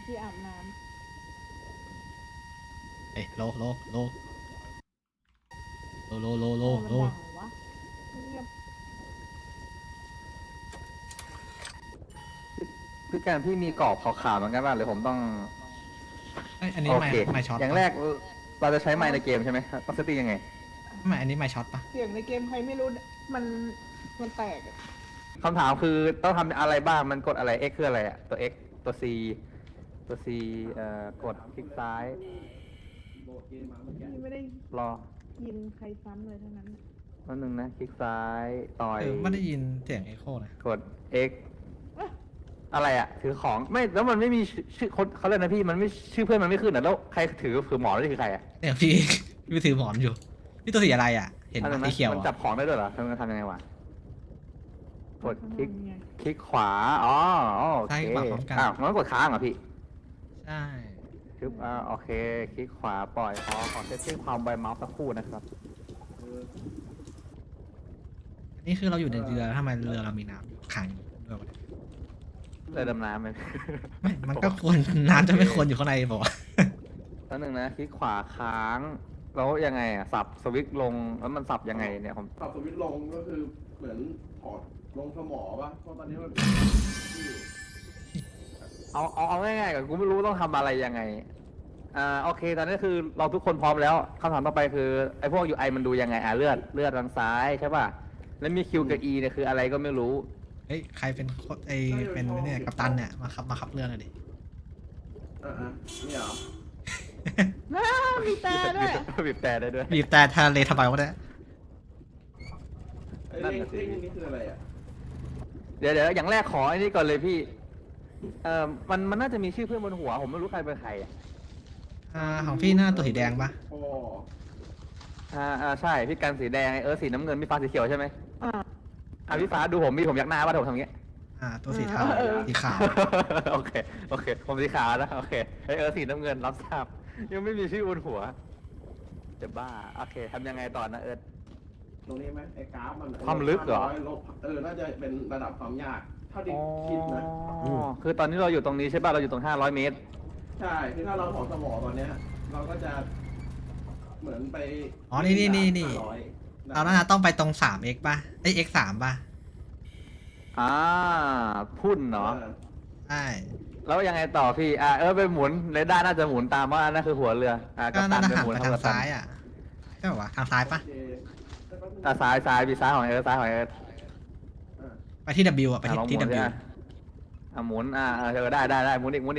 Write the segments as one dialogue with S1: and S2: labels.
S1: ที่อาบน้
S2: เอ้ยโลโลโลโลโลโล
S1: ำ
S2: โล
S1: มันดังเหรอวะเงียบ
S3: พี่การพี่มีกรอบขาวๆเหมือนกันป่ะหรือผมต้อง
S2: เอ้ยอันนี้
S3: โอ
S2: ไม่
S3: เค
S2: ไม่ช็อต
S3: อย่างแรกเราจะใช้ไมค์ในเกมใช่ไหมต้องเซตติ้งยังไง
S2: ไม่อันนี้ไม่ช็อตปะ
S1: เสียงในเกมใครไม่รู้มันมันแตกอะ
S3: คำถามคือต้องทำอะไรบ้างมันกดอะไร X คืออะไรอะตัว X ตัว C ตัว C กดคลิกซ้าย
S1: พี่ไม่ได้
S3: รอ
S1: ยินใครซ้ำเลยทั้งนั้นน่ะ
S3: นิดนึงนะคลิกซ้ายต่อย
S2: ไม่ได้ยินเสียงเอ็โคนะ
S3: กด X อะไรอะถือของไม่แล้วมันไม่มีชื่อคนเขาเรียกนะพี่มันไม่ชื่อเพื่อนมันไม่ขึ้นอ่ะแล้วใครถือหมอนนี่คือใครอะ
S2: เนี่ยพี่ พี่ถือหมอนอยู่พี่ตัวสีอะไรอ่ะ เห็น
S3: อันนั้น
S2: สี
S3: นะ
S2: เขียว
S3: มันจับของได้ด้วยเหรอมันทำยังไงวะกดคลิก
S1: ทำไง
S3: คลิกขวา อ๋อโอเค
S2: ใช่ขวาพร้อมกัน
S3: อ้าวงั้นกดค้างเหรอพี่
S2: ใช่
S3: คลิกโอเค คลิกขวาปล่อยขอเซตติ้งความไวเมาส์สักครู่นะครับ
S2: อันนี้คือเราอยู่ในเรือทำไมเรือเรามีน้ำอยู่ขังอยู่ด้วยวะเนี่ย
S3: เรือดำน้ำไหม
S2: ไม่มันก็ควรน้ำจะไม่ควรอยู่ข้างในบอกว่า
S3: แล้วหนึ่งนะ คลิกขวาค้าง แล้วยังไงอ่ะ สับสวิตช์ลง แล้วมันสับยังไงเนี่ยผม
S4: ปรับสวิตช์ลงก็คือเหมือนถอดลงสมอป่ะเพราะตอนนี้มัน
S3: เอาง่ายๆก่อนกูไม่รู้ต้องทำอะไรยังไง โอเค ตอนนี้คือเราทุกคนพร้อมแล้วคำถามต่อไปคือไอ้พวก UI มันดูยังไงเลือดทางซ้ายใช่ป่ะ แล้วมี Q กับ E เนี่ยคืออะไรก็ไม่รู้
S2: เฮ้ยใครเป็นไอเป็นเนี่ยกัปตันเนี่ยมาขับเรือหน่อยดิ
S4: นี่เหรอ
S1: น้ามีตาด้วย
S3: บีบแต่ได้ด้วย
S2: บีบแต่ทะเลทำไมวะเนี่ย
S4: ไอ้
S3: นั่น
S4: เร่ง
S3: น่ะสิ
S4: นี่คืออะไรอ่ะ
S3: เดี๋ยวอย่างแรกขอไอ้นี่ก่อนเลยพี่ มันน่าจะมีชื่อเพื่อนบนหัว ผมไม่รู้ใครเป็นใครอ่ะ
S2: ของพี่หน้าตัวสีแดงปะ
S4: โอ้
S3: ใช่พี่กันสีแดงสีน้ำเงินพี่ฟ้าสีเขียวใช่ไหม
S1: อ่า
S3: พี่ฟ้าดูผมยักหน้าว่าผมทำอย่างเงี้ย
S2: ตัวสีเทา
S1: เออ
S2: สีขาว
S3: โอเคผมสีขาวนะโอเคสีน้ำเงินรับทราบยังไม่มีชื่อบนหัวจะบ้าโอเคทำยังไงต่อนะ
S4: ตรงนี้ไหมไอ้กราฟมัน
S3: ความลึกเหรอ
S4: น่าจะเป็นระดับความยากเท่าที่คิดนะ
S3: คือตอนนี้เราอยู่ตรงนี้ใช่ป่ะเราอยู่ตรง500 เมตร
S4: ใช่คือถ้าเราถอดสมอตอนเนี้ยเราก็จะเหมือนไป
S2: อ๋อนี่
S4: 500
S2: เราน่าจะต้องไปตรง 3x ป่ะไอ x3 ป่ะ
S3: พุ่นเนาะ
S2: ใช่
S3: แล้วยังไงต่อพี่ไปหมุนเรดาร์น่าจะหมุนตามว่านั่นคือหัวเรือ
S2: ก็
S3: กัปตั
S2: น่าจะหัน
S3: หมุ
S2: ไป
S3: เท่
S2: ทาง
S3: กัปตัน
S2: ซ้ายอ่ะใช่ป่าวะทางซ้ายป่ะ
S4: โอเค
S3: ซ้ายพี่ซ้ายของซ้ายของ
S2: ไปที่ W อ่ะไป
S3: ลองห
S2: ที่
S3: มุน
S2: W
S3: ดิหมุนได้หมุนอีก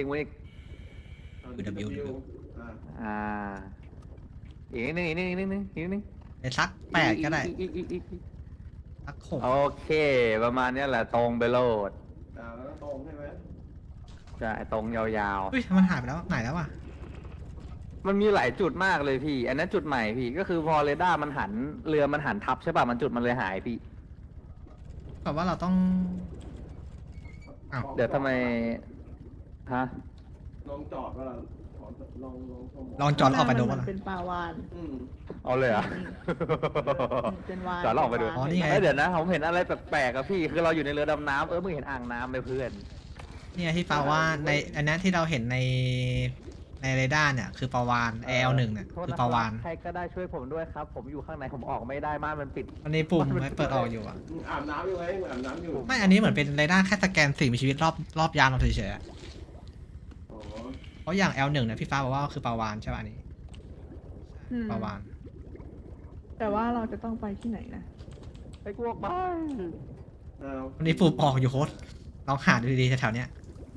S2: W
S4: อ่า
S3: อีกนิดนึง
S2: ไปสัก8ก็ได้สัก6
S3: โอเค ประมาณนี้แหละตรงไปโลด
S4: แล้วก็ตรงใช่ไหม
S3: ใช่ตรงยาว
S2: เฮ้ยมันหายไปแล้วไหนแล้ววะ
S3: ๆมันมีหลายจุดมากเลยพี่ อันนั้นจุดใหม่พี่ก็คือพอเรดาร์มันหันเรือมันหันทับใช่ป่ะมันจุดมันเลยหายพี่
S2: แบบว่าเราต้องอ้าว
S3: เดี๋ยวทำไมฮะ
S4: ลองจอดว่าลองสมอ
S2: ลองจอดออกไปดู
S1: มั
S2: ว่าน ล่ะ
S1: เป็นปลาวาน
S4: อืม
S3: เอาเลยเหรอ่ะ
S1: เป็นวาน
S3: จอดแล้วออกไปดู
S2: อ๋อนี่ไง
S3: เดี๋ยวนะผมเห็นอะไรแปลกๆอะพี่คือเราอยู่ในเรือดำน้ำมึงเห็นอ่างน้ำไหมเพื่อน
S2: เนี่ยที่ปาว่าในอันนั้นที่เราเห็นในเรดาร์เนี่ยคือปาวาน L1 เนี่ย
S3: โทษ
S2: คือ
S3: นะ
S2: ปาวาน
S3: ใครก็ได้ช่วยผมด้วยครับ ผมอยู่ข้างในผมออกไม่ได้ม่านมันปิด
S2: มันมีปุ่มไว้เปิดออกอยู่อ่ะ
S4: มึงอาบน้ำอยู่ไหมมึงอาบน้ำอยู่
S2: ไม่อันนี้เหมือนเป็นเรดาร์แค่สแกนสิ่งมีชีวิตรอบยานเราเฉยๆอะ
S4: อ๋อ
S2: เพราะอย่าง L1 เนี่ยพี่ฟ้าบอกว่าคือปาวานใช่ป่ะอันนี้
S1: อืม
S2: ปาวาน
S1: แต่ว่าเราจะต้องไปที่ไหนนะ
S3: ไอ้กูออกไป
S2: วันนี้ปุ่มออกอยู่โค้ดลองหาดูดีๆแถวๆเนี้ย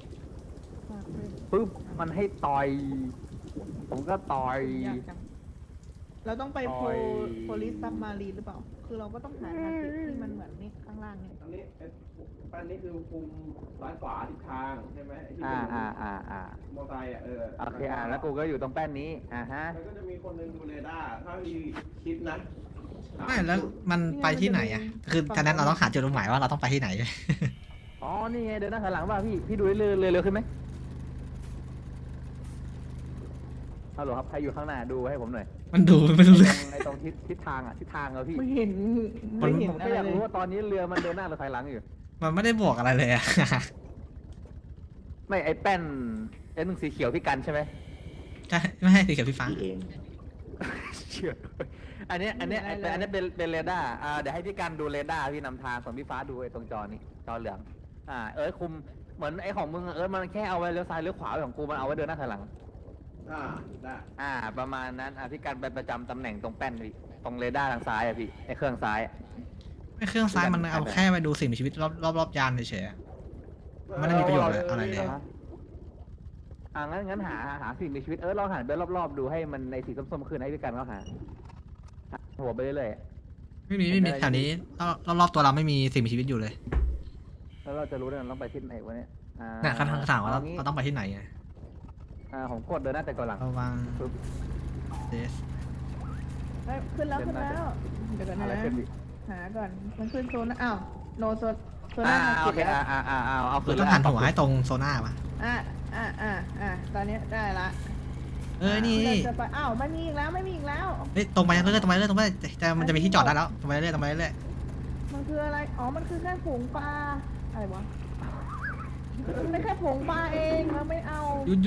S3: ปึ๊บมันให้ต่อย ผมก็ต่อย
S1: ยากจังเราต้องไป
S3: ต่อย
S1: โพลิสซับมารีหรือเปล่า คือเราก็ต้องหาทางที่มันเหมือนนี่ข้างล่างเนี่ย
S4: อันนี้แป้นนี้คือคุมซ้ายขวาทิศทางใช่ไหมไอ้ที่
S3: อ่า
S4: เป็น
S3: อ่า
S4: มอเตอร์ไซค์
S3: โอเคแล้วกูก็อยู่ตรงแป้นนี้ฮะ
S4: แล้วก็จะมีคนหนึงดูเรดาร์ถ้ามีคิดนะ
S2: ไม่แล้วมันไปที่ไหนอ่ะคือฉะนั้นเราต้องหาจุดหมายว่าเราต้องไปที่ไหน
S3: อ๋อนี่ไงเดินหน้าถอยหลังป่ะพี่ดูเร็วขึ้นไหมฮัลโหลครับใครอยู่ข้างหน้าดูให้ผมหน่อย
S2: มันดูไม่รู้เรื่อง
S3: ไอ้ตรงทิศทางพี่
S1: ไม่เห็น
S2: มัน
S1: ไม่เห็น
S3: ผม
S1: อะ
S3: ก็
S1: ไร
S3: อยาก
S1: เล
S3: รู้
S1: ย
S3: ว่าตอนนี้เรือมันเดินหน้าหรือถอยหลังอยู่
S2: มันไม่ได้บอกอะไรเลยอ่ะ
S3: ไม่ไอ้แป้น S1สีเขียวพี่กันใช่ไหม
S2: ใช่ไม่ให้สีเขียวพี่ฟ้า
S5: พี่เอง
S3: เชื่ออันนี้เป็นเรดาร์เดี๋ยวให้พี่กันดูเรดาร์พี่นำทางส่วนพี่ฟ้าดูไอ้ตรงจอนี้จอเหลืองคุมเหมือนไอ้ของมึงมันแค่เอาไว้เลี้ยวซ้ายเลี้ยวขวาของกูมันเอาไว้เดินหน้าถอยหลัง
S4: ได้
S3: ประมาณนั้นพี่กันไปประจำตำแหน่งตรงแป้นพี่ตรงเรดาร์ทางซ้ายพี่ไอ้เครื่องซ้าย
S2: ไม่เครื่องซ้ายมันเอาแค่ไปดูสิ่งมีชีวิตรอบยานเฉยๆไม่ได้มีประโยชน์อะไรเลย
S3: งั้นหาสิ่งมีชีวิตลองหันไปรอบๆดูให้มันในสีส้มๆขึ้นให้พี่กันเขาหาหัวไปเรื่อย
S2: ไม่มีแถวนี้รอบตัวเราไม่มีสิ่งมีชีวิตอยู่เลย
S3: ๆแล้วเราจะรู้ได้เราต้องไปที่ไหนวะเนี่ย
S2: เนี่ยคำถามว่าเราต้องไปที่ไหนไง
S3: ผมกดเดินหน้าแต่ก่อนหลัง
S2: ระวัง
S3: ปึ๊บ
S2: เดส
S1: เฮ้ยขึ้นแล้วขึ้นแล้วเดี๋ยวก่อน
S3: อะไร
S1: นะ
S3: ขึ้นพี่
S1: หาก่อนมันขึ้นโซนอ้าวโนโซน่า
S3: โอเคเอา
S2: คือต้องหันหัวให้ตรงโซน่าปะ
S1: ตอนนี้ได้ละ
S2: นี่
S1: จะไปอ้าวไม่มีอีกแล้วไม่มีอีกแล้ว
S2: เฮ้ยตรงไปเรื่อยๆตรงไปเรื่อยๆตรงไปแต่มันจะมีที่จอดได้แล้วตรงไปเรื่อยๆตรงไปเรื่อย
S1: มันคืออะไรอ๋อมันคือแค่ผงปลาอะไรวะมันแค่ผงปลาเองเราไม่เอา
S2: ๆหยุด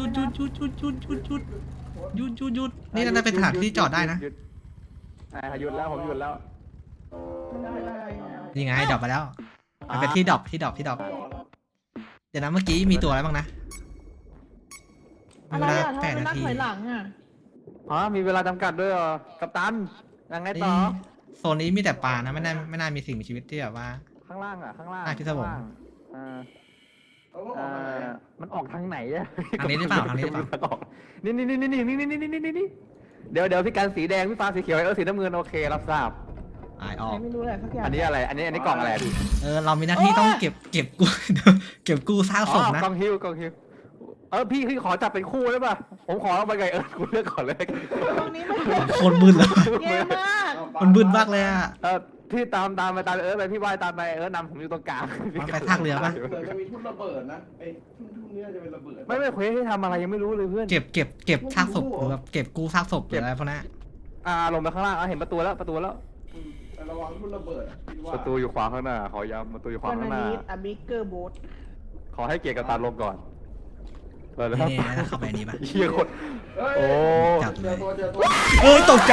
S2: นี่น่าจะเป็นสถานที่จอดได้นะ
S3: หยุดแล้วผมหยุดแล้ว
S1: มันเป็นอะไรอ่ะ
S2: นี่ไงดรอปไปแล้วมันเป็นที่ดรอปเดี๋ยวนะเมื่อกี้มีตัวอะไรบ้างนะ
S1: อะไรอ่ะทำไม
S2: 8
S1: มัน
S2: นา
S1: นับ
S2: ที
S1: ถอยหลังอ่ะ
S3: มีเวลาจำกัดด้วยเหรอกัปตันยังไงต่อ
S2: โซนนี้มีแต่ปลานะไม่น่ามีสิ่งมีชีวิตที่แบบว่า
S3: ข้างล่างข้างล่าง
S2: ที่สมอง
S4: เอาว่าออกมาไหนอะ
S3: มันออกทางไหนอะ
S2: ทางนี้หรือเปล่าทางนี้หรือเปล่า
S3: นี่เดี๋ยวพี่การสีแดงพี่ฟ้าสีเขียวสีน้ำเงินโอเครับทราบ
S2: อายออก
S1: ไม่รู้อะไรสักอย่าง
S3: อันนี้อะไรอันนี้กล่องอะไรพี่
S2: เรามีหน้าที่ต้องเก็บกู้ เก็บกู้ซากศพนะ
S3: กล่องฮิวพี่ขอจับเป็นคู่ได้ป่ะผมขอเอาไปไงกูเลือกก่อนเลย
S1: ตรงนี้มัน
S2: โคตรบึ้นเลย
S1: แย่มาก
S2: มันบึ้นมากเลยอ่ะ
S3: พี่ตามไปพี่ว่ายตามไปนำผมอยู่ตรงกลาง
S2: มันไปทากเรือปะ
S4: เดี๋ยวจะมีทุ่นระเบิดนะไอ้ทุ่นนี้จะเป็นระเบิด
S3: ไม่เควสให้ทำอะไรยังไม่รู้เลยเพื่อน
S2: เก็บซากศพหรือแบบเก็บกู้ซากศพหรืออะไรพวกนั้น
S3: ลงไปข้างล่างเห็นประตูแล้ว
S4: แต่ระวังทุ่นระเบิดคิดว่า
S3: ประตูอยู่ขวาข้างหน้าขอย้ำประตูอยู่ขวา
S1: วัน
S3: ข้างหน้า
S1: นี้อะบิ๊กเกอร์โบ๊ท
S3: ขอให้เกียรติกับตาลงก่อนเปิดเลย
S2: นี่ถ้าเข้าไปนี้ปะ
S3: เชี่ยคน
S4: เฮ้ย
S3: โอ้
S2: จับ
S4: เจ
S2: เล
S4: อย ตัว
S2: ตกใจ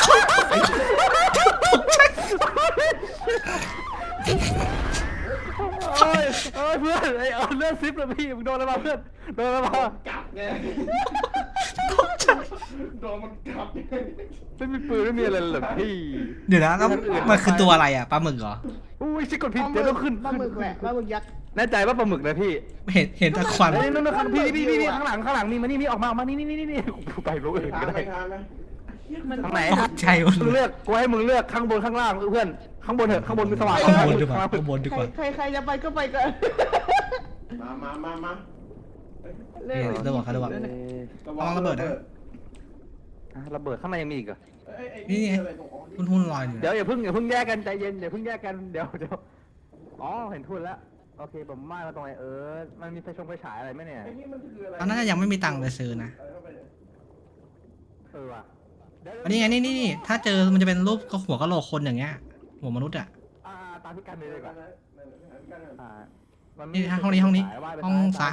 S3: เอ้ยเพื่อนเลื่อนซิปเลยพี่มึงโดนอะไรมาเพื่อนโดนอะไรมา
S4: กัดไงโดนมันกัดไง
S3: ไม่มีปืนไม่มีอะไรเลยพี่
S2: เดี๋ยวนะแล้วมันคือตัวอะไรอ่ะปลาหมึกเหรอ
S3: อุ้ยชิกดผิดเดี๋ยวต้องขึ้น
S1: ปลาหมึกแหละปลาหมึกยักษ์
S3: แน่ใจว่าปลาหมึกนะพี่
S2: เห็นแต่ควัน
S3: เฮ้ยนั่นพี่ข้างหลังมีมานี่ออกมานี่ไปรู้อื่นก็ได้
S4: ทานไหม
S1: มัน
S3: ทางไหน
S2: ตกใจหมด
S3: มึง
S2: เล
S3: เลื
S2: ย
S3: อกกูให้มึงเลือกข้างบนข้างล่างเพื่อนข้างบนเถอะข้างบนมีสว่าง
S2: ข้างบนดีกว่าข้างบนดีกว่า
S1: ใครจะไปก็ไปก่อน
S4: มา
S2: ระวัง
S4: ระวัง
S2: ระเบิดนะ
S3: ระเบิดข้างในยังมีอีกเหรอ
S2: หุ้นลอยอยู่
S3: เดี๋ยวอย่าเพิ่งแยกกันใจเย็นอย่าเพิ่งแยกกันเดี๋ยวอ๋อเห็นทุนแล้วโอเคผมมาตรงไหนมันมีไฟฉายอะไรไหมเนี่ย
S4: ไอ้นี่มันคืออะไร
S2: ตอนนั้นยังไม่มีตังค์ไปซื้อนะ
S3: ว่ะ
S2: อันนี้ไงนี่ถ้าเจอมันจะเป็นรูปหัวกะโหลกคนอย่างเงี้ยหัวมนุษย์อ่ะ
S3: ตามพี่กันเลยดีกว่า
S2: นี่ห้องนี้ห้องซ้าย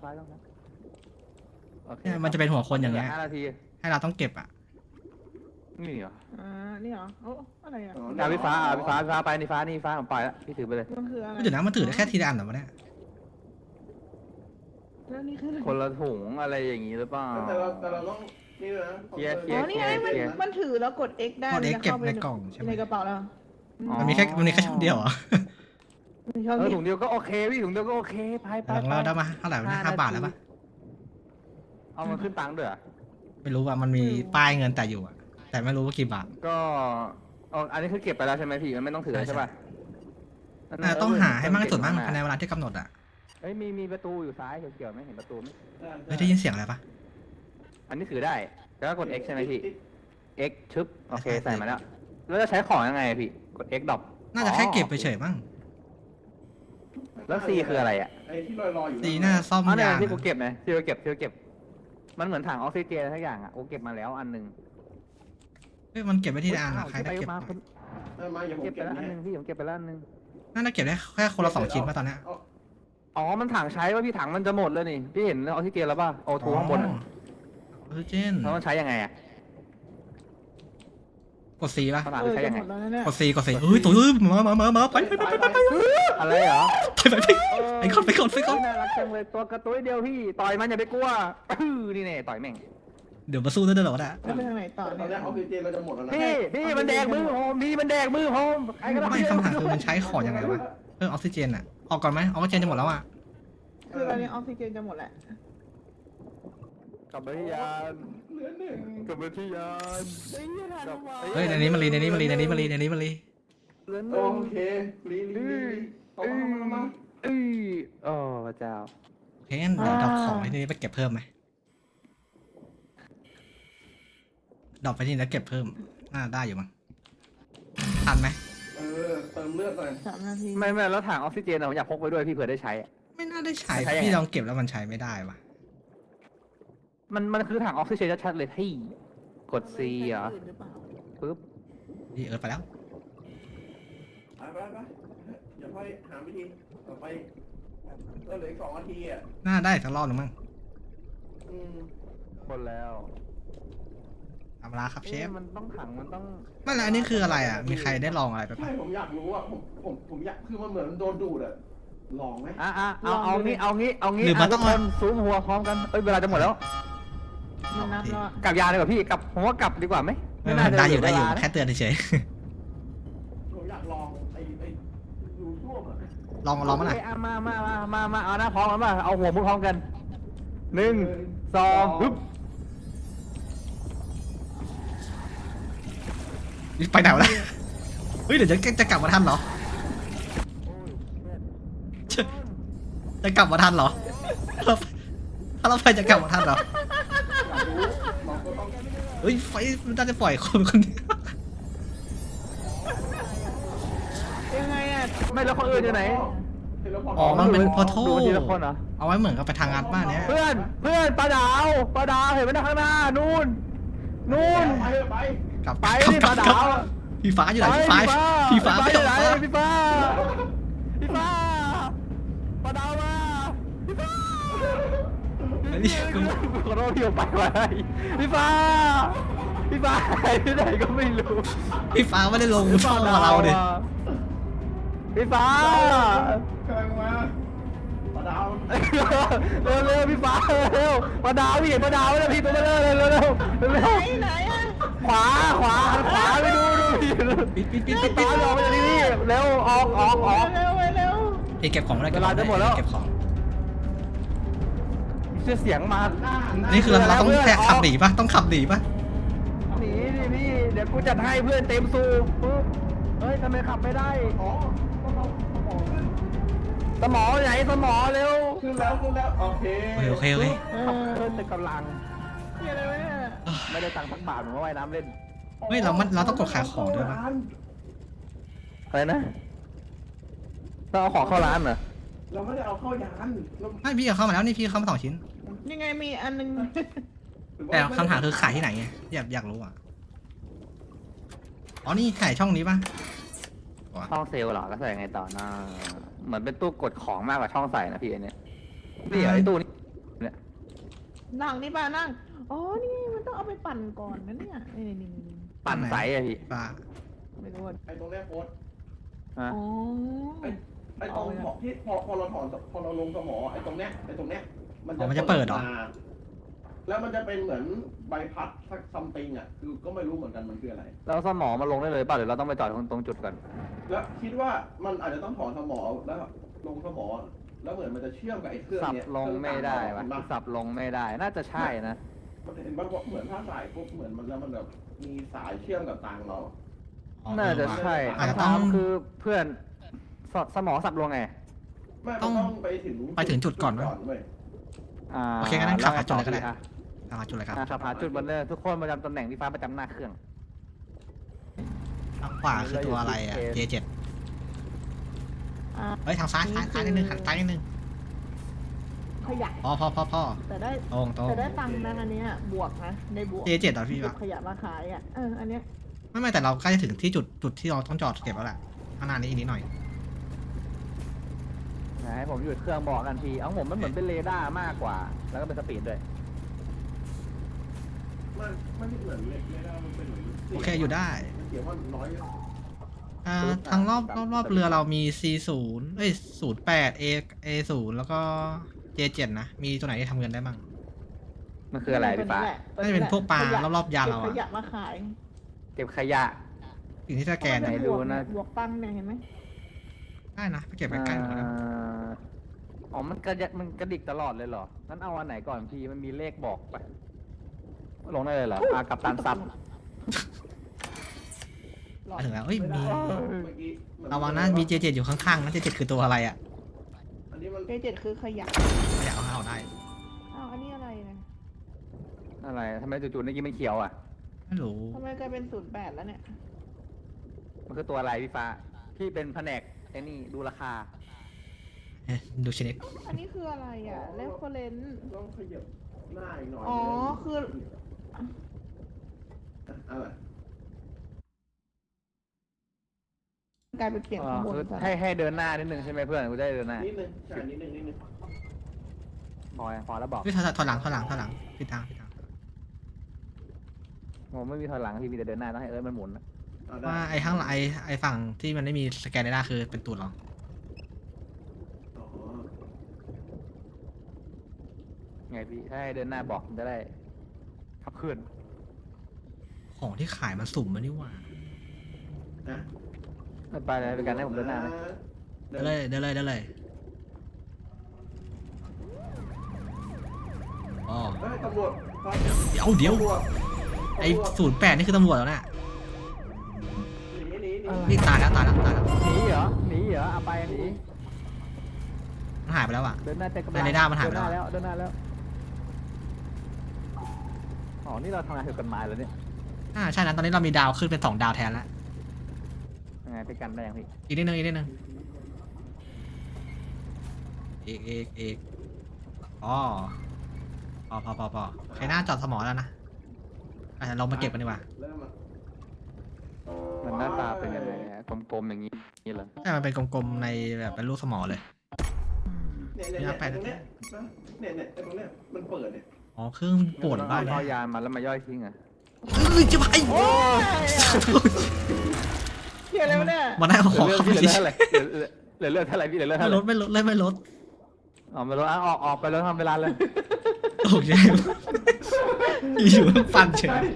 S3: โอเค
S2: เนี่ยมันจะเป็นหัวคนอย่างเงี้ย
S3: 5 นาที
S2: ให้เราต้องเก็บอ่ะ
S3: นี่เหรอ
S1: นี่เหรอโอ้อะไรอ่ะ
S3: พี่ฟ้าไปนี่ฟ้าผมไปแล้วพี่ถือไปเลย
S1: มันคืออะไร
S2: เดี๋ยวนะมันถือได้แค่ทีละอันเหรอวะเนี่ย
S1: แล้วนี่คืออะไร
S3: คนละถุงอะไรอย่างงี้หรือเปล่า
S4: แต่เราต้องนี่นะ
S1: อ๋อนี่ไงมันถือแล้วกด X ได้
S2: พอได้เก็บในกล่องใช่ไหม
S1: ในกระเป๋าแล้ว
S2: มันมีแค่ช่องเดียวเหรอ
S1: มีช่องนี้
S3: ถุงเดียวก็โอเคพี่ถุงเดียวก็โอเคไป
S2: ลองเล่าได้มาเท่าไหร่วะเนี่ย5 บาทแล้วปะ
S3: เอามันขึ้นตังค์ด้วยเหรอ
S2: ไม่รู้ว่ามันมีป้ายเงินแต่อยู่อ่ะแต่ไม่รู้ว่ากี่บาท
S3: ก็อันนี้คือเก็บไปแล้วใช่ไหมพี่มันไม่ต้องถือใช่ป่ะ
S2: ต้องหาให้มากที่สุดมั้งภายในเวลาที่กำหนดอ่ะ
S3: เฮ้ยมีประตูอยู่ซ้ายเขียวๆไหมเห็นประตูไหม
S2: เฮ้ยได้ยินเสียงอะไรปะ
S3: อันนี้ถือได้แล้วก็กด X ใช่ไหมพี่ X ชึบโอเคใส่มาแล้วแล้วจะใช้ของยังไงพี่กด X ดรอป
S2: น่าจะแค่เก็บไปเฉยมั้ง
S3: แล้ว C คืออะไรอ่ะ
S4: ไอ้ที่ลอยอยู่
S2: ดีน่าซ่อม
S3: เนี่ย
S2: ยาง
S3: ที่กูเก็บไหมที่กูเก็บมันเหมือนถังออกซิเจนอะไรทุกอย่างอ่ะกูเก็บมาแล้วอันนึง
S2: เฮ้ยมันเก็บไว้ที่ละอันอ่ะใครได้เก็บ
S3: มา
S4: มาอย่าผม
S3: เก็บไป
S4: เก็บ
S3: แล้วอัน
S4: ให้
S3: นึงพี่ผมเก็บไปแล้วอันนึง
S2: น่าจะเก็บได้แค่คนละ2 ชิ้นป่ะตอนเนี้ย
S3: อ๋อมันถังใช้ว่าพี่ถังมันจะหมดแล้วนี่พี่เห็นออกซิเจนแล้วป่ะโอทูข้างบนอะ
S2: ออกซิเจน
S3: แล้วมันใช้ยังไงอะ
S2: กด C ป่ะ
S3: ขนาด
S1: เออ
S3: ใช้
S1: จะ
S3: ยัง
S1: ห
S3: ไง
S1: มดแล้วนะเนี่ย
S2: กด C กด C เฮ้ยตัวมาไป
S3: อะไรเหรอ
S2: ไปก่อนไปก่อน
S3: น่ารักจังเลยตัวกระตุ้ยเดียวพี่ต่อยมันอย่าไปกลัวนี่แน่ต่อยแม่ง
S2: เดี๋ยวมาสู้ด้วยเหรอวะเนี่ย
S1: จะไปทางไหนต่อ
S4: ตอน
S1: เนี่
S4: นี้
S1: ย
S4: ออกซิเจนเราจะหมดแล้วนะ
S3: พี่มันแดกมือโฮมพี่มันแดกมือโฮมใครก็ได้
S2: ไม่คำถามคือมันใช้ของยังไงวะเพิ่มออกซิเจนอ่ะออกก่อนไหมออกซิเจนจะหมดแล้วอ่ะ
S1: คือตอนนี้ออกซิเจนจะหมดแหละ
S3: กลับไปที่ยาน
S4: เหลือหนึ่ง
S3: กลับไปที่ยาน
S2: เฮ้ยในนี้มันรี
S3: เหลือ
S4: โอเคลีเอามา
S3: โอ้พระเจ้า
S2: โอเคงั้นเดี๋ยวดรอปของที่นี่ไปเก็บเพิ่มไหมดรอปไปที่นี่แล้วเก็บเพิ่มน่าได้อยู่มั้งทันไหม
S4: เติมเลือดหน่อย
S1: 3 นาที
S3: ไม่แล้วถังออกซิเจนผมอยากพกไปด้วยพี่เผื่อได้ใช้
S2: ไม่น่าได้ใช้
S3: ใช้ยังไง
S2: พี่ลองเก็บแล้วมันใช้ไม่ได้วะ
S3: มันคือถังออกซิเจนชัดๆเลยที่กด C เหรอ
S1: หรือเปล่า
S3: ปึ๊บ
S2: พี่ไปแล้ว
S4: ไปอย่าค่อยหาวิธีต่อไปก็เหลือ2 นาทีอ่ะ
S2: น่าได้สักรอบหนึ่งมั้ง
S3: หมดแล้ว
S2: ธรรมดาครับเชฟ
S3: มันต้องถังมันต้อง
S2: ไม่แล้วอันนี้คืออะไรอ่ะมีใครได้ลองอะไรไป
S4: ใช่
S2: ปะ
S4: ผมอยากรู้อ่ะผมอยากคือมันเหมือนโดนดูดอ่ะลองไหม
S3: เอางี้
S2: หรือมันต้อง
S3: ทุกคนซูมหัวพร้อมกันเอ้ยเวลาจะหมดแล้ว
S1: มันนับแล้วอะ
S3: กลับยานดีกว่าพี่กลับผมว่ากลับดีกว่าไหม
S2: ได้อยู่
S3: เหลืเวลานะ
S2: แค่เตือนเฉย
S4: ผมอยากลองไอ้ดูท่วมอ่ะ
S2: ๆลองมาหน่อย
S3: โเคะมาเอาหน้าพร้อมกันมาเอาหัวมุดพร้อมกัน1 2ปึ๊บ
S2: ไปไหนวะเฮ้ยเดี๋ยวจะกลับมาทันเหรอจะกลับมาทันเหรอถ้าเราไปจะกลับมาทันเหรอ
S4: อยากรู้เราก็ต้อง
S2: เฮ้ยไฟมันน่าจะปล่อยคนเดียว
S1: ยังไงอ่ะ
S3: ไม่แล้วคนอื่นอยู่ไหน
S2: อ๋อมันเป็นพอโท
S3: ดูทีละคนเหรอ
S2: เอาไว้เหมือนกับไปทางงานบ้านเนี้ย
S3: เพื่อนปลาดาวเห็นไหมนะข้างหน้านู่น
S4: ไป
S2: กลับ
S3: ไป
S2: กลับ
S3: ดิ
S2: ก
S3: ป
S2: ลั
S3: ลา
S2: บกลั
S3: ดา
S2: บ
S3: ว
S2: พี่ฟ้าอยู่ไหนพี่ฟ้าไม่
S3: อยู่
S2: ออก
S3: ไหน
S2: มา
S3: พี่ฟ้าปลาดาวมาพี่ฟ้า
S2: ไอ้นี่
S3: ขอโทษพี่ออกไปไว้พี่ฟ้าหายไปไหนก็ไม่รู้
S2: พี่ฟ้าไม่ได้ลงช่องเราดิ
S3: พี่ฟ้าก
S4: ำลังมาปลาดาว
S3: เร็วพี่ฟ้าเร็วปลาดาวพี่เห็นปลาดาวไหมพี่ตัวเบลอเลยเร็ว
S1: ไหนอ่ะ
S3: ขวาหันขวาไปดูพี่
S2: ปิด
S3: ฟ้าออกมาจากที่นี่เร็วออก
S1: เร็วเร็ว
S2: พี่เก็บของไม่ได้
S3: เวลาจะหมดแล้ว
S2: เก็บของ
S3: เชื่อเสียงมา
S2: นี่คือเราต้องแค่ขับหนีปะต้องขับหนีปะ
S3: หนีดิพี่ เดี๋ยวกูจัดให้เพื่อนเต็มสูบปุ๊บเฮ้ยทำไมขับไม่ได้
S4: อ๋อต้องเอาสมองขึ้น
S3: สมอไหนสมอเร็ว
S4: ขึ้นแล้วโอเค
S2: โอเค
S3: ขับเพิ่นแต่กำลัง
S1: เดี๋ยวเลยเนี่ย
S3: ไม่ได้ตังค์สักบาทผมว่าว่ายน้ำเล่น
S2: เฮ้ยเราต้องกดขายของด้วยปะ
S3: อะไรนะต้องเอาของเข้าร้านเหรอ
S4: เราไม่ได้เอาเข้ายานเรา
S2: ไม่พี่เอาเข้ามาแล้วนี่พี่เข้ามา2 ชิ้น
S1: ยังไงมีอันนึง
S2: แต่คำถามคือขายที่ไหนไงอยากรู้อ่ะอ๋อนี่ขายช่องนี้ปะ
S3: ช่องเซลล์เหรอก็ใส่ไงต่อนะเหมือนเป็นตู้กดของมากกว่าช่องใส่นะพี่ไอเนี่ยนี่เหรอไอตู้นี้เนี่ย
S1: นั่งนี่ป่ะนั่งอ๋อนี่มันต้องเอาไปปั่นก่อนนะเนี่ยนี่
S3: ปั่นใสอะพี่
S2: ปลา
S1: ไม่รู้ว่า
S4: ไอ้ตรงเนี้ยโค้ด
S3: ฮะ
S1: อ๋อ
S4: ไอ้ตรงที่พอเราถอนพอเราลงสมอไอ้ตรงเนี้ยมันจะแล้วมันจะเป็นเหมือนใบพัดสักซัมติงอ่ะคือก็ไม่รู้เหมือนกันมันคืออะไร
S3: แล้วสมอมาลงได้เลยป่ะหรือเราต้องไปจอดตรงจุดก่อน
S4: แล้วคิดว่ามันอาจจะต้องถอนสมอแล้วลงสมอแล้วเหมือนมันจะเชื่อมกับไอ้เครื่อง
S3: สับ
S4: เนี้ย
S3: ลงไม่ได้วะ
S4: เห็นปะ
S3: สับลงไม่ได้ น่าจะใช่นะ
S4: เห็นปะเหมือนถ้าสายปุ๊บเหมือนมันแล้วมันแบบมีสายเชื่อมกับตังเรา
S3: น่าจะใช่
S2: อาจจะ
S3: คำ
S2: ต้
S3: ถา
S2: อง
S3: มคือเพื่อนสมอสับลงไง
S4: ไม่มันต้องไปถึง
S2: จุดก่อนไหม
S4: เว้ย
S2: โอเคงั้นขับหาจุดเลยก็ได้
S3: อ่ะ
S2: หาจุดเลยครับ
S3: ขับหาจุดบนเลยทุกคนประจำตำแหน่งที่ฟ้าประจำหน้าเครื่อง
S2: ทางขวาคือตัวอะไรอ่ะ J7 เฮ้ยทางซ้ายนิดนึงหันซ้ายนิดนึง
S1: ขยะ
S2: พ่อ
S1: แต่ได้
S2: ตรง
S1: แต่ได้ตังค์นะอันเนี้ยบวกนะได้บวก
S2: J7 เหรอพี่
S1: เก็
S2: วะ
S1: บขยะมาขายอ่ะอันเนี้ย
S2: ไม่แต่เราใกล้จะถึงที่จุดที่เราต้องจอดเก็บแล้วแหละข้างหน้านี้อีกนิดหน่อย
S3: ไหนให้ผมหยุดเครื่องบอกกันทีเอาผมมันเหมือนเป็นเรดาร์มากกว่า แล้วก็เป็นสปีดด้วย
S4: มันไม่เหมือนเล็กเลยนะมันเป็นเหมือน
S2: โอเคอยู่ได้
S4: มันเขียนว่าน้อย
S2: ทางรอบเรือเรามี C0 เอ้ย08 A0 แล้วก็ J7 นะ มีตัวไหนที่ทำเงินได้บ้าง
S3: มันคืออะไรพี่ฟ้า
S2: น่าจะเป็นพวกปลารอบๆยานเรา
S1: ข
S2: อะ
S1: ยะมาขาย
S3: เก็บขยะ
S2: สิ่งที่สแกน
S3: ไหน
S2: อะ
S3: ดูนะ
S1: บวกตังค์เนี่ยเห็นไหม
S2: ได้นะไปเก็บใกล้ๆหมดแล้ว
S3: อ๋อมันกระดิกตลอดเลยเหรองั้นเอาอันไหนก่อนพี่มันมีเลขบอกไปลงได้เลยเหรอกับตันซับ
S2: มาถึงแล้วเอ้ยมี
S4: เมื่อกี้
S2: ระวังนะมี J7 อยู่ข้างๆนะ J7 คือตัวอะไรอะ
S4: อันนี้มัน
S1: เจ็ดคือขยะ
S2: ไม่อยากเอาได้
S1: อ้าวอันนี้อะไรนะ
S3: อะไรทำไมจู่ๆนี่กี้ไม่เขียวอ่ะ
S2: ไม่รู้
S1: ทำไมกลายเป็น08แล้วเนี่ย
S3: มันคือตัวอะไรพี่ฟ้าพี่เป็นแผนกไอ้นี่ดูราคา
S2: ดูชนิด
S1: อันนี้คืออะไรอ่ะ reference
S4: ต้องขยับหน้าอีกหน่อย
S1: อ๋อคือ
S4: อะไร
S1: กลายเป็นเปลี่ยนข้างบน
S3: คือ
S1: ซะ
S3: ให้เดินหน้านิดนึงใช่ไหมเพื่อนกูได้เดินหน้า
S4: นิดนึงใช่นิดนึง
S3: พอแล้วบอก
S2: พี่ถอยหลังผิดทาง
S3: ผมไม่มีถอยหลังพี่มีแต่เดินหน้าต้องให้มันหมุน
S2: ว่าไอ้ข้างหลังไอ้ฝั่งที่มันไม่มีสแกนเรดาร์คือเป็นตูดเรา
S3: ไงพี่ถ้าให้เดินหน้าบอกจะได้ขับเคลื่อน
S2: ของที่ขายมันสุ่มมานี่หว่า
S3: ไปเลยเป็นการให้ผมเดินหน้าไหม
S2: เดินเลยอ๋อ
S4: เฮ้ยตำรวจ
S2: เดี๋ยวไอ้08นี่คือตำรวจแล้วเนี่ย
S4: หนี
S2: นี่ตายแล้ว
S3: หนีเหรอเอาไปหนี
S2: มันหายไปแล้วอ่ะ
S3: เดินหน้าเต็มกำลัง
S2: ในเรดาร์มันหายไป
S3: เดินห
S2: แล้
S3: น้าว แล้วเดินหน้าแล้วอ๋อนี่เราทำงานถูกกฎหมายแล้วเนี่ย
S2: ใช่นะตอนนี้เรามีดาวขึ้นเป็น2 ดาวแทนแล้ว
S3: ยังไงไปกันได้ยังพี่
S2: อีกนิดนึงอีกอ๋อพอใครหน้าจอดสมอแล้วนะเรามาเก็บกันดีกว่า
S4: เริ่มอ่ะ
S3: มันหน้าตาเป็นยังไงอะกลมๆอย่างนี้เหรอ
S2: ใช่มันเป็นกลมๆในแบบเป็นรูปสมอเลย
S4: เนี่ยตรงเนี้ยเนี่ยตรงเนี้ยมันเปิดเนี่ย
S2: อ๋อเครื่องป่วนบ้าน
S3: เอายานมาแล้วมาย่อยทิ้งอ่ะ
S2: จะไป
S1: เขียนอะไรวะเนี่ย
S2: มาได้เอาของเข้าไป
S3: เหลือเท่าไหร่เหลือเท่าไหร่พี่เหลือเท่า
S2: ไม่
S3: ไห
S2: ล
S3: ร่
S2: ดไม่ลด
S3: อ๋อไม่ลดออกไปแล้วทำเวลาเลย
S2: โอเคอยู่ๆฟันเฉย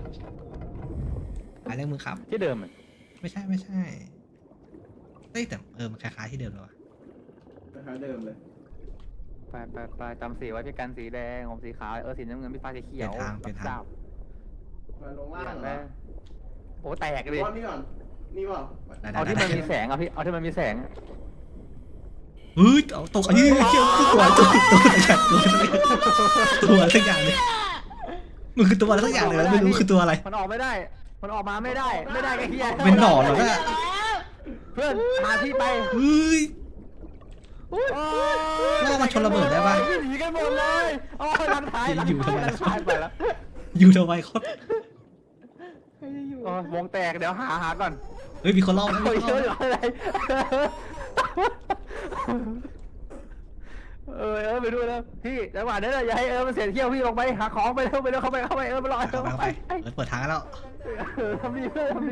S2: หาเรื่องมือครับ
S3: ที่เดิมอะ
S2: ไม่ใช่เฮ้ยแต่มันคล้ายๆที่เดิมเลยวะ
S4: คล้ายเดิมเลย
S3: ไปจำสีไว้พี่กันสีแดงผมสีขาวสีน้ำเงินพี่ฟ้าสีเขียว
S2: เปลี่ยนทาง
S4: ไปลงล่างเหรอ
S3: โอ้แตกเลย
S4: นี่ก่อนนี่เปล่า
S3: เอาที่มันมีแสงอ่ะพี่เอาที่มันมีแสง
S2: เฮ้ยเอาตกอันนี้เชื่อตัวสักอย่างเลยมันคือตัวอะไรสักอย่างเลยไม่รู้คือตัวอะไร
S3: มันออกไม่ได้มันออกมาไม่ได้ไอ้เหี้ย
S2: เป็นหนอนเหรอเนี่ย
S3: เพื่อนพาพี่ไป
S2: เฮ้ย ล่อมาชนระเบิดได้ปะ
S3: หนีกันหมดเลยอ๋อหลังท้าย
S2: อยู่ทำไมล่ะ
S3: ท้ายไปแล้ว
S2: อยู่ทำไมโคตร
S1: ใครจะอยู่
S3: วงแตกเดี๋ยวหาก่อน
S2: เฮ้ยมีคนล่อมี
S3: เฮ้ย
S2: คนล่อ
S3: อะไรไปดูแล้วพี่จังหวะนั้นอย่าให้มันเสียเที่ยวพี่ลงไปหาของไปเร็วเข้าไปมันรอ
S2: เข้าไปเปิดทางแล้ว
S3: ทำดี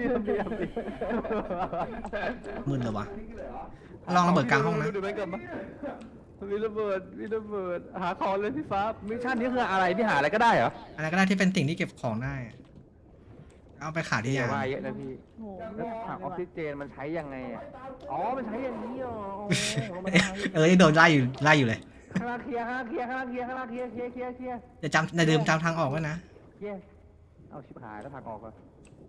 S2: มึนเลยวะลองระเบิดกลางห้องนะ
S3: ดูไปก่อนมั้ยมีระเบิดหาของเลยพี่ฟ้ามิชชั่นนี้คืออะไรพี่หาอะไรก็ได้เหรอ
S2: อะไรก็ได้ที่เป็นสิ่งที่เก็บของได้ เอาไปขายที่ยาน
S3: ว่าเยอะนะพี่
S1: โอ้โห
S3: แล้วถังออกซิเจนมันใช้ยังไงอ่ะอ๋อมันใช้อย่างนี้อ๋อ
S2: โดนไล่อยู่เลย
S3: ข้างล่างเคลียร์เคลียร์
S2: จะจำในเดิมจำทางออกไว้นะ
S3: เคลียร์เอาชิบหายแล้วทางออกก่อน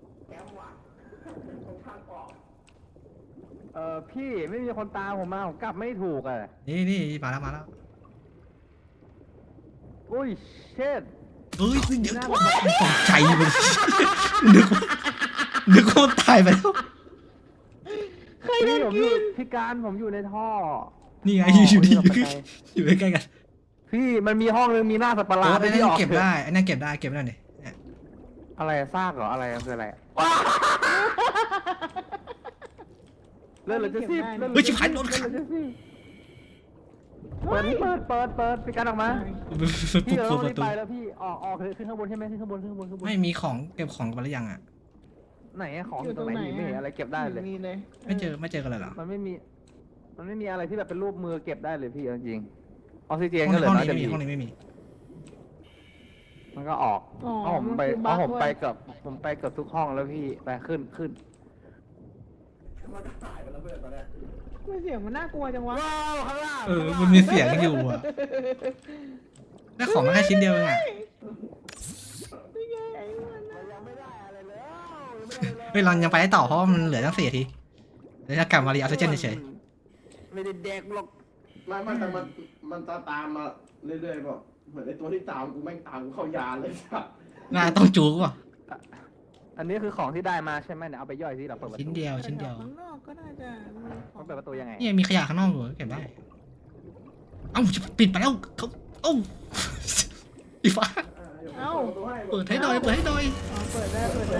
S3: พี่ไม่มีคนตามผมมาผมกลับไม่ถูกอ่ะ
S2: นี่มาแล้ว
S3: อุ้ยเช็ด
S2: เฮ้ยเดี๋ยวตกใจเลยนึกว่าตายไปแล้ว
S3: พี่ผมอยู่พี่การผมอยู่ในท่อ
S2: นี่ไงอยู่ใกล้ๆกัน
S3: พี่มันมีห้องนึงมีหน้าสัตว์ประหลาด
S2: ไอ้นั่นเก็บได้ไอ้นั่นเก็บได้นี่
S3: อะไรซากเหรออะไรคืออะไรเลื่อนเลยจะซีบ
S2: เฮ้ยชิบหายโดนขัง
S3: เปิดพี่กันออกมา พี่
S2: ปุ๊บ
S3: เรา
S2: ปุ๊บ
S3: ต้
S2: ป
S3: องรี
S2: ระ
S3: บ
S2: ตู
S3: ไปแล้วพี่ออกเลยขึ้นข้างบนใช่ไหมขึ้นข้างบน
S2: ไม่มีของเก็บของกันหรือยังอ่ะ
S3: ไหนอะของอยู่ตรงไหนไม่เห็นอะไรเก็บได้เลย
S1: นี่เลย
S2: ไม่เจอกันเลยเหรอ
S3: มันไม่มีอะไรที่แบบเป็นรูปมือเก็บได้เลยพี่เอาจริงออกซิเจน
S2: ห้
S3: ก็เหลือ
S2: อง
S3: น้อย
S2: นี้
S3: จะ
S2: ไม่มี
S3: มี
S2: ห้องนี้ไม่มี
S3: มันก็ออก
S1: อ๋อ
S3: เอาผมไป
S1: นคือ
S3: เอา
S1: บั๊ก
S3: ผมไป
S1: เว้ย
S3: กับทุกห้องแล้วพี่ไปขึ้น
S4: มันก็หายไปแล้วเพื่อนตอนเนี้ย
S1: ไม่เสียงมันน่ากลัวจังวะ
S3: ว้าวข้างล่าง
S2: มันมีเสียงอยู่อ่ะได้ของมาแค่ชิ้นเดียวเองอ่ะ
S1: นี่ไงไอ้มันน่ะ
S3: ยังไม่ได้อะไรเลย
S2: เฮ้ยเรายังไปได้ต่อเพราะว่ามันเหลือตั้ง4 นาทีเดี๋ยวจะกลับมารีออกซิเจนเฉย
S3: ไม่ได้เด็กหรอก
S4: ไม่แต่มันจะตามมาเรื่อยๆแบบเหมือนไอ้ตัวที่ตามกูแม่งตามกูเข้ายาเลยสัส
S2: ๆน่าต้องจูกว่ะ
S3: อันนี้คือของที่ได้มาใช่ไหมเนี่ยเอาไปย่อยที่เราเปิดประตู
S2: ชิ้นเดียว
S1: ข้างนอกก็น่าจะมีขอ
S3: ต้อง งเปิดประตูยังไง
S2: นี่มีขยะข้างนอกอยู่เก็บได้ เอ้าจะปิดไปแล้วเขาเอ้าอีฟ้า เปิดให้หน่อย
S1: อ๋อเปิดได้
S2: เปิด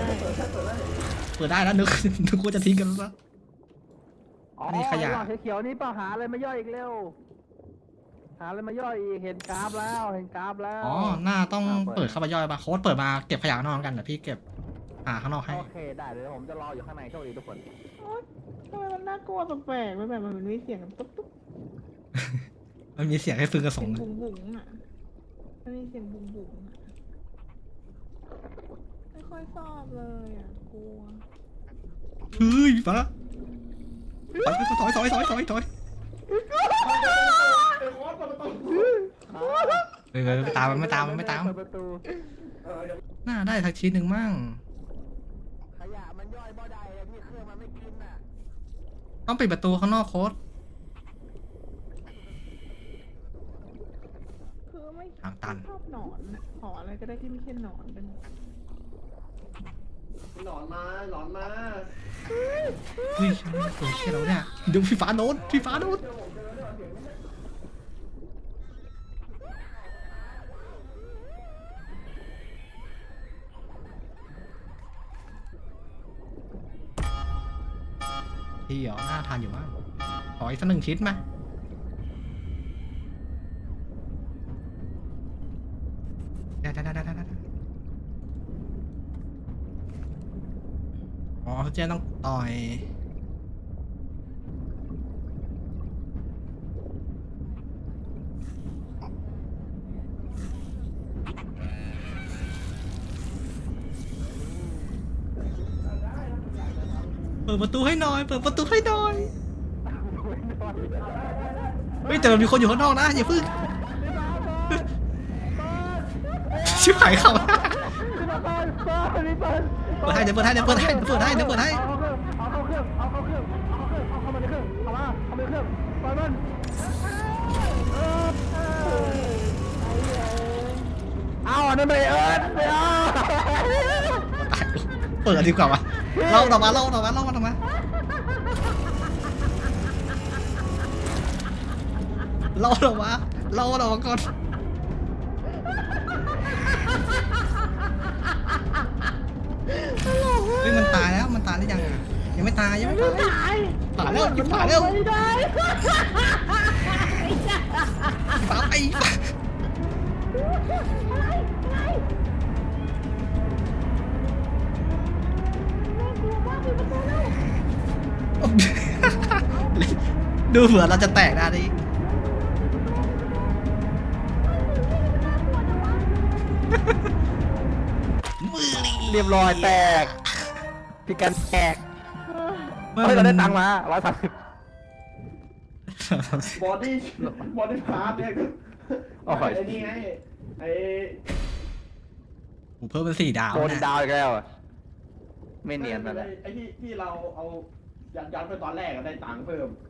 S2: ได้แล้วนึกว่าจะทิ้งกันแล้ว
S3: อ๋อ
S2: นี่ขยะ
S3: หลอดเขียวๆนี่เปล่าหาอะไรมาย่อยอีกเร็วหาอะไรมาย่อยอีกเห็นกราฟแล้ว
S2: อ๋อหน้าต้องเปิดเข้าไปย่อยปะโค้ดเปิดมาเก็บขยะข้างนอกกันเดี๋ยวพี่เก็บหาข้างนอกให้
S3: โอเคได้เดี๋ยวผมจะรออยู่ข้างในโชคดีทุกคน
S1: โอ๊ยทำไมมันน่ากลัวแปลกๆไม่แบบมันมีเสียงตุ๊บตุ๊บ
S2: มันมีเสียงให้ฟืนกระส
S1: เสีย
S2: ง
S1: ง
S2: อะ
S1: บุ๋งบุ๋งอ่ะมันมีเสียงบุ๋งบุ๋งอ่ะไม่ค่อยชอบเลยอ่ะกลัว
S2: เฮ้ยฟ้าถอย
S4: ไอ้โค้ดเปิดประตู
S2: ไม่ตามมันไม่ตาม
S3: เปิดประตู
S2: น่าได้สักชิ้นหนึ่งมั่ง
S3: ขยะมันย่อยบ่ได้อะพี่เครื่องมันไม่กินน่ะ
S2: ต้องปิดประตูข้างนอกโค้ด
S1: คือไม่
S2: ทางตัน
S1: ชอบหนอนอะขออะไรก็ได้ที่ไม่ใช่หนอนเป็น
S4: หนอนมา
S2: เฮ้ยตัวเชี่ยเราเนี่ยดูพี่ฟ้าโดนที่เหรอน่าทานอยู่บ้างขออีกสัก1 ชิ้นมาได้อ๋อเจ๊ต้องต่อยเปิดประตูให้หน่อยเฮ้ยแต่มันมีคนอยู่ข้างนอกนะอย่าพึ่งชิบหายเข้าเปิดให้เดี๋ยวเปิดให้
S3: เอาเข้าเครื่องเอาเข้ามาในเครื่องเปิดมันเอาอันนั้นไปไม่เอา
S2: เปิดดีกว่าวะเล่าออกมาก่อนเฮ้ยมันตายแล้วหรือยังอ่ะยังไม่ตายผ่านแล้ว
S1: ไม่ได้
S2: ฟ้าไป ดูเผื่อเราจะแตกได้ดิ
S3: เรียบร้อยแตกพี่กันแตกเฮ้ยเราได้ตังค์มา130
S4: บอดี้พาร์ทเนี่ยคือ
S3: โอ้ย
S4: ไอ้นี่ไงไอ้
S2: ผมเพิ่มเป็น4 ดาว
S3: โดน
S2: นะ
S3: ดาวอีกแล้วอะไม่เนียนนั่นแหละ
S4: ไอ้ที่เราเอายัดไปตอนแรกก็ได้ตังค์เพิ่ม